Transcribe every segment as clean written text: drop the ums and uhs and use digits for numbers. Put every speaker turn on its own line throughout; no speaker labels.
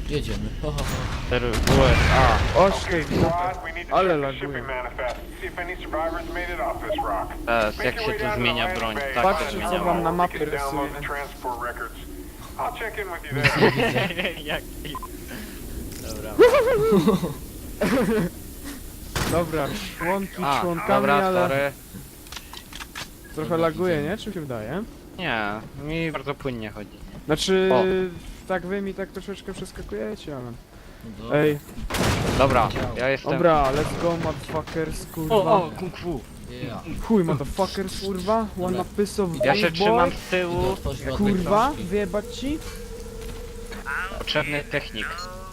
Jedziemy. Ho, ho, ho.
USA.
Oszkej, ale laguje.
Teraz, jak się tu zmienia broń? Tak,
Patrzcie, co
zmieniało.
wam na mapie rysuje.
Jak... Dobra.
Dobra, członki członkami,
dobra,
ale
sorry.
trochę laguje, nie? Czy mi się wydaje?
Nie, mi bardzo płynnie chodzi.
Znaczy,
O.
tak wy mi tak troszeczkę przeskakujecie, ale...
No,
Ej,
Dobra, ja jestem...
dobra, let's go motherfuckers, kurwa.
O, kung fu.
yeah.
Chuj, motherfuckers, kurwa. Wanna piss of
Ja się
boy,
trzymam z
Idę
tyłu.
otworzyć ładne
kurwa,
książki.
wyjebać ci?
Potrzebny technik.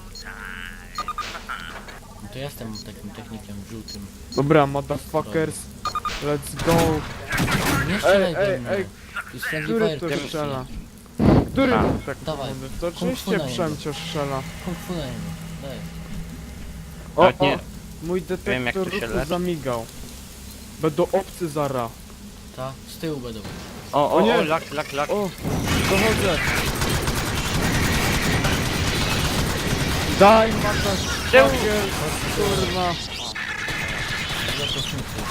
No to ja jestem takim technikiem żółtym.
Dobra, motherfuckers, let's go.
Nie strzelaj
ej,
we mnie.
ej,
Jest friendly
Który
fire
to
team.
strzela? Który
A,
tak
dawaj.
mówię? To
Kung fu
oczywiście
na niego.
Przemcio strzela.
Kung fu na niego. Daj.
O,
Nawet
o,
nie-
mój
wiem, jak
detektor
tu się
ruchu
leczy.
zamigał. Będą obcy zara.
Ta? Z tyłu będą.
O,
nie.
lak.
O, dochodzę. Daj matasz,
Tył.
kurwa.
Zaprosnicy.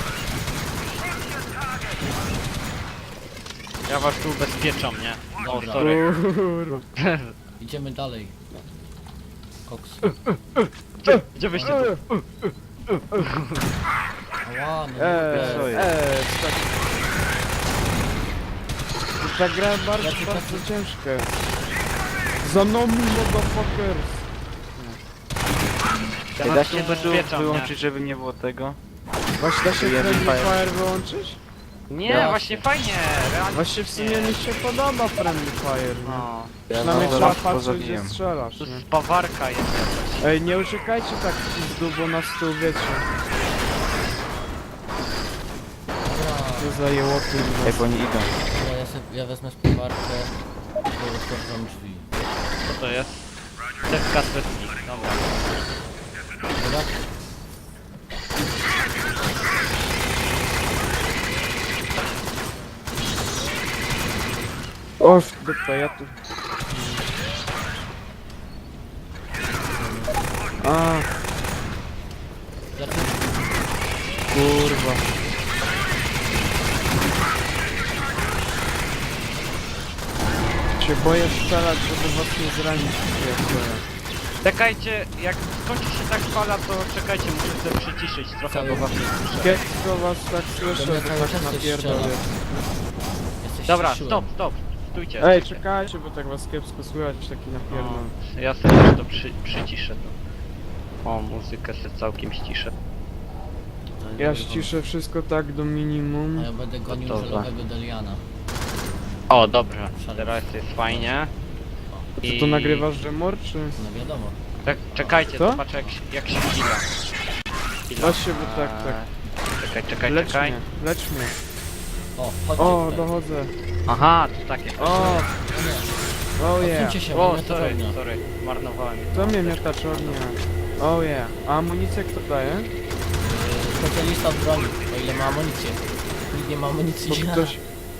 Ja was tu ubezpieczam, nie? O,
Dobra.
sorry.
Kurwa.
Idziemy dalej. Koks.
Gdzie wyście tu?
Ała, no
co
nie.
jest?
Tak. Ta gra bardzo,
Ja tylko-
bardzo ciężka. Za mną, motherfuckers.
Ja
Da
was
się
tu
to
ubezpieczam,
wyłączyć, żeby nie było tego?
Właśnie da się
Jeden
Friendly
fire.
Fire wyłączyć?
Nie,
Da
właśnie fajnie. Realnie
Właśnie w sumie
nie.
mi się podoba Friendly Fire. No.
No,
Przynajmniej
no,
trzeba
zaraz
patrzeć, gdzie
pozabiłem.
strzelasz,
tu
nie?
spawarka jest jakaś.
Ej, nie uciekajcie tak w pizdu, bo nas tu wiecie.
Dobra,
Co za jełoty.
Ej, bo oni idą.
ja wezmę spawarkę i otworzę drzwi.
Co to jest? Dewka svetnik, dobra.
Dobra?
O, dupę, ja tu... A,
Zaczynamy.
kurwa. Się boję strzelać, żeby was nie zranić.
Czekajcie, jak skończy się tak fala, to czekajcie, muszę sobie przyciszyć trochę, bo was nie słyszę.
Kiepsko was tak słyszę,
To mnie
że
cały
tak
czas coś
napierdolę.
strzela. Jesteś
Dobra,
cieszyłem.
stop, stójcie.
Ej, czekajcie, bo tak was kiepsko słychać, taki napierdol.
No, ja sobie też to przyciszę to. O, muzykę sobie całkiem ściszę.
Ja ściszę wszystko tak do
A
minimum.
ja będę gonił
Gotowe.
żelowego Deliana.
O, dobra, teraz jest fajnie.
Ty to nagrywasz, że mor, czy?
No wiadomo.
Czekajcie,
Co?
zobaczę jak się chwila.
Właśnie, bo tak, tak.
Czekaj.
Lecz mnie, lecz mnie.
O, chodźcie
O,
tutaj.
dochodzę.
Aha, to takie.
O,
Nie,
oh yeah.
odsuńcie się,
O,
mamy to
sorry,
ognia.
marnowałem.
To mnie miotacz ognia. Oh yeah. A amunicję kto daje?
Specjalista od broni, o ile ma amunicję. Nikt nie ma amunicji.
Bo ktoś...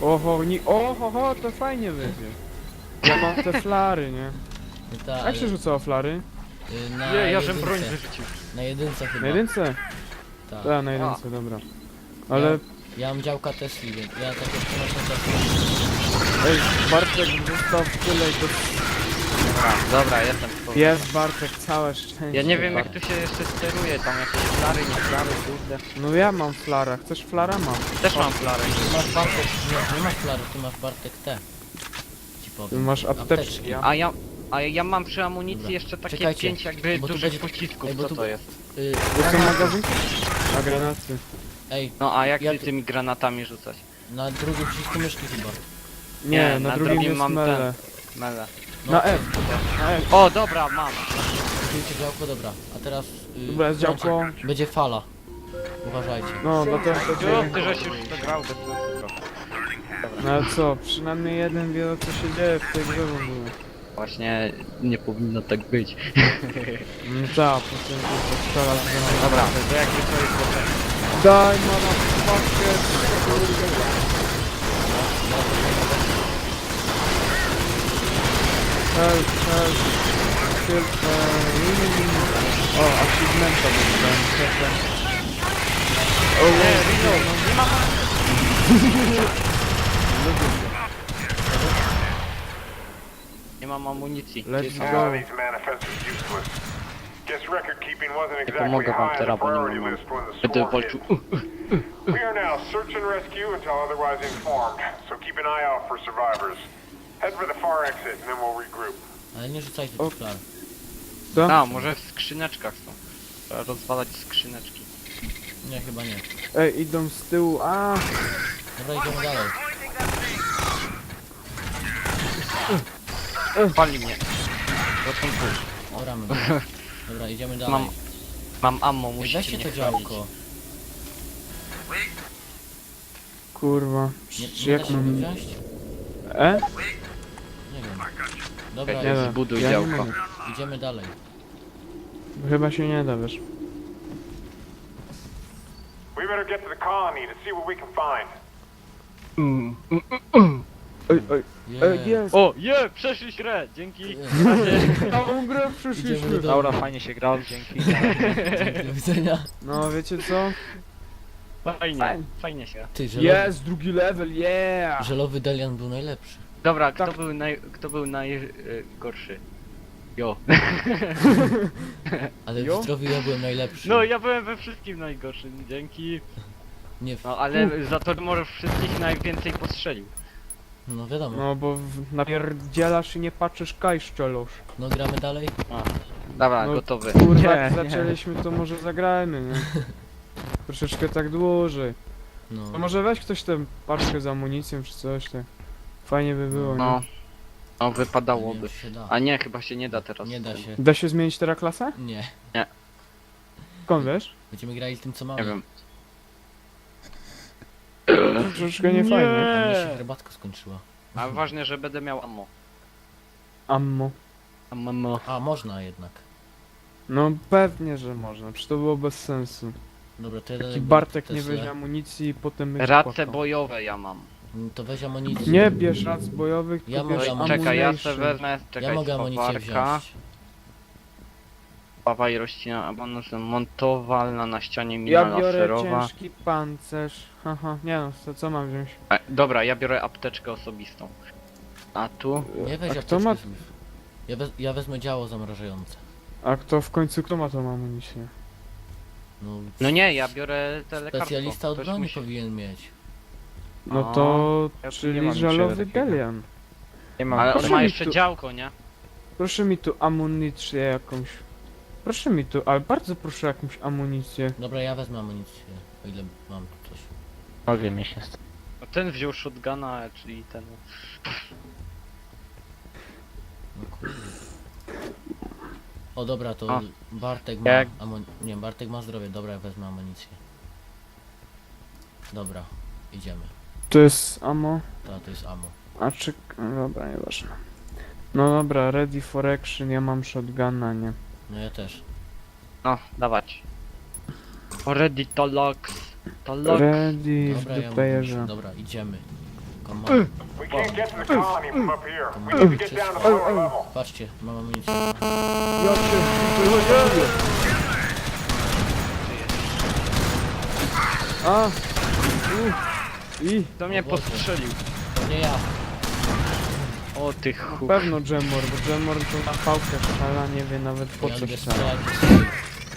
Oho, to fajnie wyjdzie. Ja mam te flary, nie?
Ta,
Jak się rzucało flary?
na
Nie, ja żem
jedynce.
broń wyrzucił.
Na jedynce chyba.
Na jedynce?
Tak.
Tak, na jedynce, dobra. Ale...
Ja mam działka Tesli, więc ja takie przenoszę Tesli.
Ej, Bartek zostaw tyle i to...
Dobra, jestem.
Jest Bartek, całe szczęście.
Ja nie wiem jak
Bartek.
tu się jeszcze steruje, tam jakieś flary, nie flary, kurde.
No ja mam flara, chcesz flara? Mam.
Też mam flary.
Ty masz Bartek, nie masz flary, ty masz Bartek T. Ci
Ty
powiem.
masz apteczki.
A ja mam przy amunicji
Dobra.
jeszcze takie
Czekajcie,
5 jakby
bo tu
dużych
będzie-
pocisków,
ej, bo
co
tu-
to jest?
To są magazynki? A granaty.
Ej,
No a jak
Jak-
ty tymi granatami rzucać?
na drugim przycisku myszki chyba.
Nie, na drugim jest
mam
mele.
Mele.
No,
Na F. Na F.
O, dobra, mam.
Zdjęcie działko, dobra. A teraz...
Dobra, jest działko.
Będzie fala. Uważajcie.
No, dlatego to
Ty żeś już to grał bez sensu trochę.
No ale co, przynajmniej jeden wie co się dzieje w tej grze w ogóle.
Właśnie nie powinno tak być.
No tak, potem to strzela z granatu.
Dobra, to jakby to jest potem.
Daj motherfucker! Help, help. się... O, achievementa dostałem. O,
Nie, reload, no nie ma Nie mam amunicji.
Let's
Gdzie są?
go.
These manifests are useless. Guess record keeping wasn't exactly
pomogę wam
high on the
teraz, bo nie
priority
mam.
list when the
Będę
swarm
walczył.
hit. We are now search and rescue until otherwise informed, so keep an eye out for survivors. Head for the far exit and then we'll regroup.
Ale nie rzucajcie
O.
tych flar.
Co?
A, może w skrzyneczkach są. Trzeba rozwalać skrzyneczki.
Nie, chyba nie.
Ej, idą z tyłu, a
Dobra, idziemy dalej.
Pali mnie. Ratunku.
Dobra, my. Dobra, idziemy dalej.
Mam ammo,
Ej,
musicie
weźcie
mnie
to
chronić.
działko.
kurwa.
Nie,
Czy
nie da
jak
się go
mam...
wziąć? Nie wiem. Dobra,
Czekaj,
Nie da.
zbuduj
Ja nie
działko.
mogę.
idziemy dalej.
Chyba się nie da, wiesz.
We better get to the colony to see what we can find.
Oj, oj,
Yeah.
jest!
O, przeszliś grę, dzięki.
Całą grę
Idziemy
przyszliśmy!
do domu.
fajnie się grało, dzięki.
Dzięki, do widzenia.
No, wiecie co?
Fajnie, fajnie się gra.
Ty, żelowy,
Jest, drugi level, yeah!
żelowy Delian był najlepszy.
Dobra,
Tak.
kto był najgorszy? Jo.
Ale
Jo?
w zdrowiu ja byłem najlepszy.
No, ja byłem we wszystkim najgorszym, dzięki.
Nie,
No, ale za to może wszystkich najwięcej postrzelił.
no wiadomo.
No, bo napierdzielasz i nie patrzysz, kaj szczelosz.
No gramy dalej?
Dobra,
No,
gotowy.
Kurwa,
Nie,
jak
nie.
zaczęliśmy, to może zagrajmy, nie? Troszeczkę tak dłużej.
No.
To może weź ktoś tę paczkę z amunicją czy coś, tak. Fajnie by było,
No.
nie?
No,
Nie wiem,
wypadałoby.
czy się da.
A nie, chyba się nie da teraz.
Nie da się.
Da się zmienić teraz klasę?
Nie.
Skąd wiesz?
Będziemy grali tym co mamy.
Nie wiem.
Troszeczkę nie fajnie.
A mnie się herbatka skończyła.
A ważne, że będę miał ammo.
Ammo.
Ammo.
A, można jednak.
No pewnie, że można, przecież to było bez sensu.
Dobra, to ja
Taki
dalej
Bartek
to
nie
jest
weźmie amunicji i potem będzie
Race
płakał.
bojowe ja mam.
To weź amunicję.
Nie bierz rac bojowych,
Ja
tylko bierz
mogę
ammunition.
Czekaj, ja se wezmę, czekaj,
Ja mogę amunicję
spawarka,
wziąć.
pawa i rościna, abonus montowalna na ścianie, mina
Ja biorę
laserowa.
ciężki pancerz. Haha, nie no, to co mam wziąć?
Dobra, ja biorę apteczkę osobistą. A tu?
Nie weź
A kto
apteczki
ma...
znów. Ja wezmę działo zamrażające.
A kto w końcu, kto ma tą amunicję?
No,
No nie, ja biorę te lekarstwo.
specjalista od
Ktoś
broni
musi-
powinien mieć.
No
A,
to...
ja tu nie
czyli
mam
żalowy
niczego takiego.
Delian.
Nie mam.
Ale on
Proszę
ma
mi
jeszcze
tu-
działko, nie?
Proszę mi tu amunicję jakąś. Proszę mi tu, ale bardzo proszę jakąś amunicję.
Dobra, ja wezmę amunicję. O ile mam tu coś.
Mogę mi się
No ten wziął shotguna, czyli ten...
No kurde. O dobra, to
A.
Bartek ma
Jak-
Nie, Bartek ma zdrowie. Dobra, ja wezmę amunicję. Dobra, idziemy.
To jest ammo.
To jest ammo.
A czy... no dobra, nieważne. No dobra, ready for action, ja mam shotguna, nie?
No ja też.
No, dawać. Ready to locks. To locks.
Ready w
Dobra, ja
duplayerze.
muszę. Dobra, idziemy. Come on.
We can't get to the colony from up here. We need to get down to the lower level.
Patrzcie, mam amunicję.
Ja cię wychodzę. A! I!
To mnie
O Boże.
postrzelił.
To nie ja.
O ty
Na
chuj.
pewno Jamor, bo Jamor to na pałkę strzela, nie wie nawet po
Ja
co
lubię
strzela.
strzelać do swoich.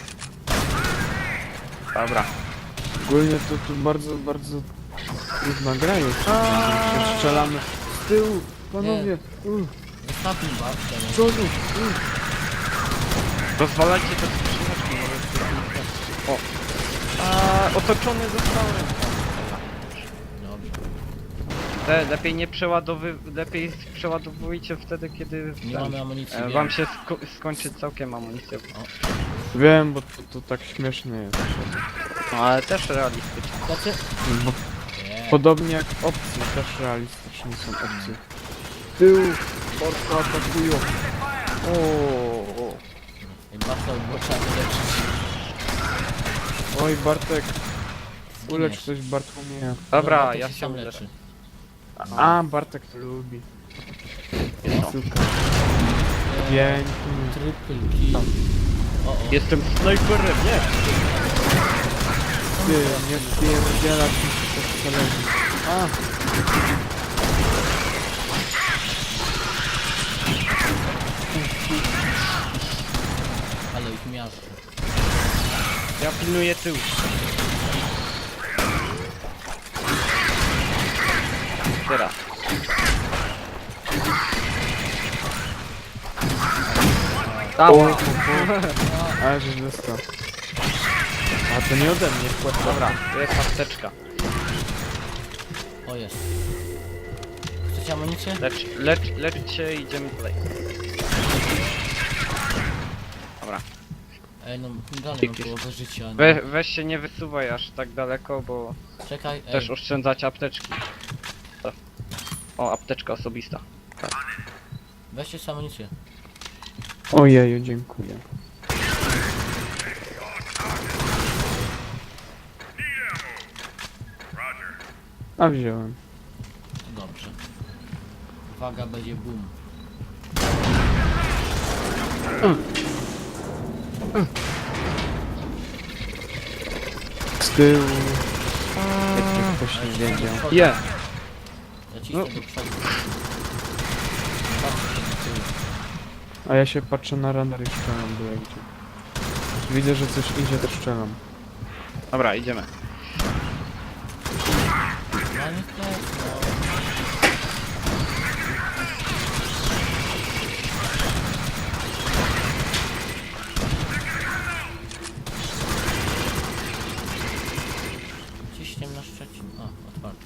Dobra.
Ogólnie to tu bardzo trudna gra jest. Że strzelamy z tyłu, panowie,
Zostawmy babkę.
z
No.
przodu,
Rozwalajcie te skrzyneczki, może... O. A, otoczony zostałem.
Dobrze.
Lepiej nie lepiej przeładowujcie wtedy, kiedy
Nie mamy amunicji. wiem.
wam się skończy całkiem amunicja.
Wiem, bo to tak śmieszne jest.
No ale też realistyczne.
Znaczy...
Bo
Nie.
podobnie jak opcje, też realistyczne są opcje. Tył, porto atakują. O.
I Bartka było trzeba wyleczyć.
Oj Bartek, ulecz
Zginiesz.
coś Bartłomieja.
Dobra,
Bartek
ja
się
się
sam
uleczę.
leczy.
A, Bartek to lubi.
No.
Super. Pięknie.
Triple kill. O.
Jestem snajperem, nie?
Ty, nie wpierdzielać mi się to zależy. A!
Ale ich miasto.
Ja pilnuję tył. Teraz.
Dała! Ale żeś dostał. A to nie ode mnie, wpłat.
Dobra, jest apteczka.
O, jest. Chcecie amunicję?
Lecz się i idziemy dalej. Dobra.
Ej, no dalej mam
Dzięki.
połowę życia. No.
Weź się nie wysuwaj aż tak daleko, bo
Czekaj, ej.
też oszczędzać apteczki. O, apteczka osobista.
Weźcie sobie amunicję.
Ojeju, dziękuję. A wziąłem.
Dobrze. Uwaga, będzie boom.
Z tyłu. Jak ktoś nie wiedział.
Je!
Ja cisnę do przodu. Patrzcie na tył.
A ja się patrzę na radar i strzelam byle gdzie. Widzę, że coś idzie, to strzelam.
Dobra, idziemy.
No nie tak, no. Ciśniem na Szczecin. O, otwarty.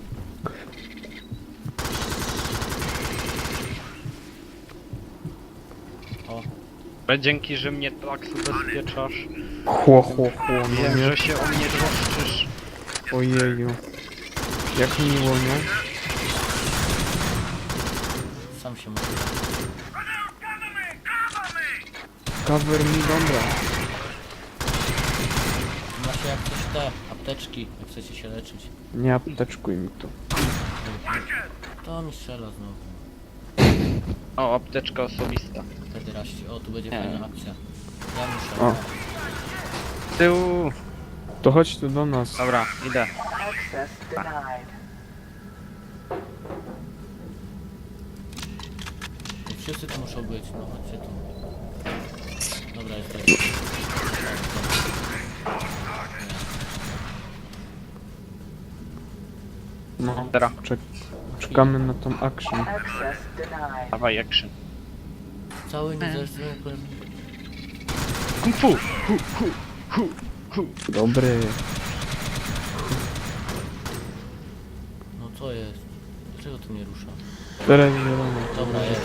O,
Dzięki, że mnie tak ubezpieczasz.
Chło, no
Wiem,
nie.
że się o mnie troszczysz.
Ojeju. Jak miło, nie?
sam się muszę.
Cover mi, dobra.
Macie jak coś te apteczki, jak chcecie się leczyć.
Nie apteczkuj mi tu.
To mi strzela znowu.
O, apteczka osobista.
Pederaści. O, tu będzie
Nie.
fajna akcja. Ja muszę.
O.
Z tyłu.
To chodź tu do nas.
Dobra, idę.
Access denied.
Wszyscy tu muszą być, no chodźcie tu. Dobra, jest tak.
No,
Teraz.
czekamy na tą action.
Access denied.
Dawaj, action.
Cały niezależny
Kung fu!
Dobry.
No co jest? Dlaczego to nie rusza?
Teraz zielony.
Dobra, jest.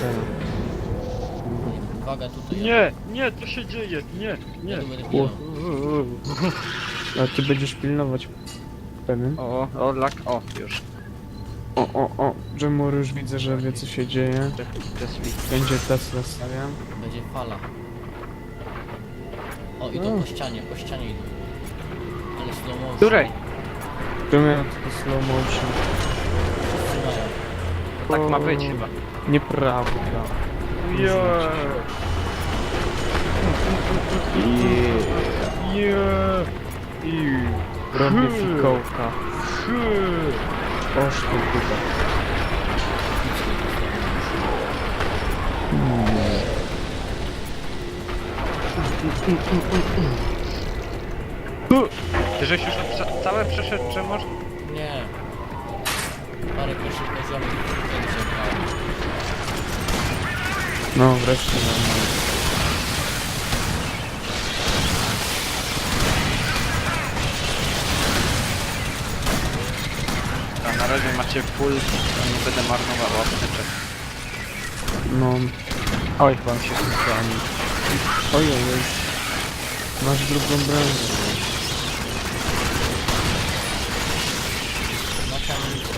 Uwaga, tutaj.
Nie, co się dzieje? Nie.
Ja tu będę pilnował.
A ty będziesz pilnować. Pewien?
O, lak, o, już.
O, Jemur już widzę, że wie co się dzieje.
Tesli.
Będzie Tesla stawiam.
Będzie fala. O, idą po ścianie idą. Ale slow motion.
Której?
Tu miałem tylko slow motion.
Wszyscy mają.
Tak ma być chyba.
Nieprawda. Robię fikołka. Oż ty chyba.
Ty żeś już całe przeszedł, czy może?
Nie. Parę pierwszych poziomów wtedy się grało.
No wreszcie normalnie.
A na razie macie full, to nie będę marnował apteczek.
No.
Oj, wam się skończyło.
Ojej. Masz drugą broń.
Macie amunicję.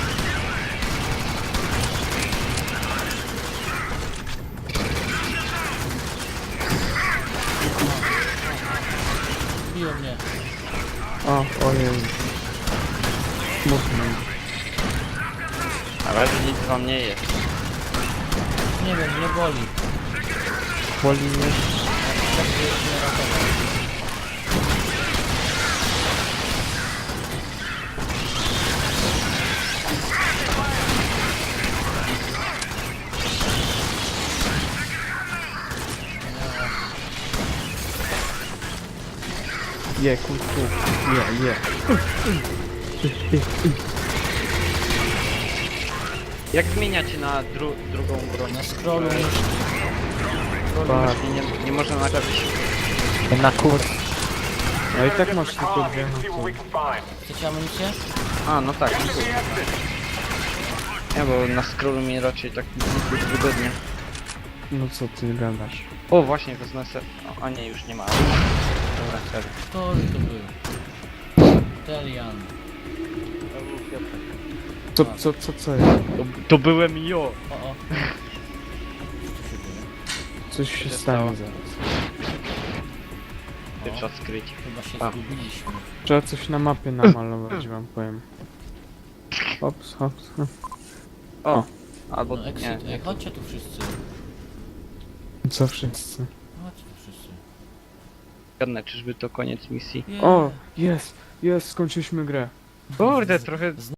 Biło mnie.
Ojej. Smutno.
Na razie nic wam nie jest.
Nie wiem, nie boli.
Poli mnie.
Tak by mnie ratował.
Je, kurku. Je.
Jak zmieniacie na drugą broń?
Na scrollu myszki.
Tak.
Nie można nagrać.
Na kurs.
No i tak masz
Call
tylko
out
dwie
and
na
see what
co.
we can find.
Chcecie amunicję?
A, no tak. Nie, bo na scrollu mi raczej tak jest wygodnie.
No co ty gadasz?
O, właśnie, wezmę se... A nie, już nie ma. Dobra, serio.
Kto to był? Telian.
Co jest?
To byłem jo!
O.
Coś się
się
stanie
stało?
zaraz.
Ty trzeba skryć.
Chyba się
A.
zgubiliśmy.
Trzeba coś na mapie namalować, wam powiem. Hops.
O! Albo
No
nie.
exit. Ej, chodźcie tu wszyscy.
Co wszyscy?
Chodźcie tu wszyscy.
Zgadnę, czyżby to koniec misji?
Yeah.
O, jest, skończyliśmy grę.
Kurde, trochę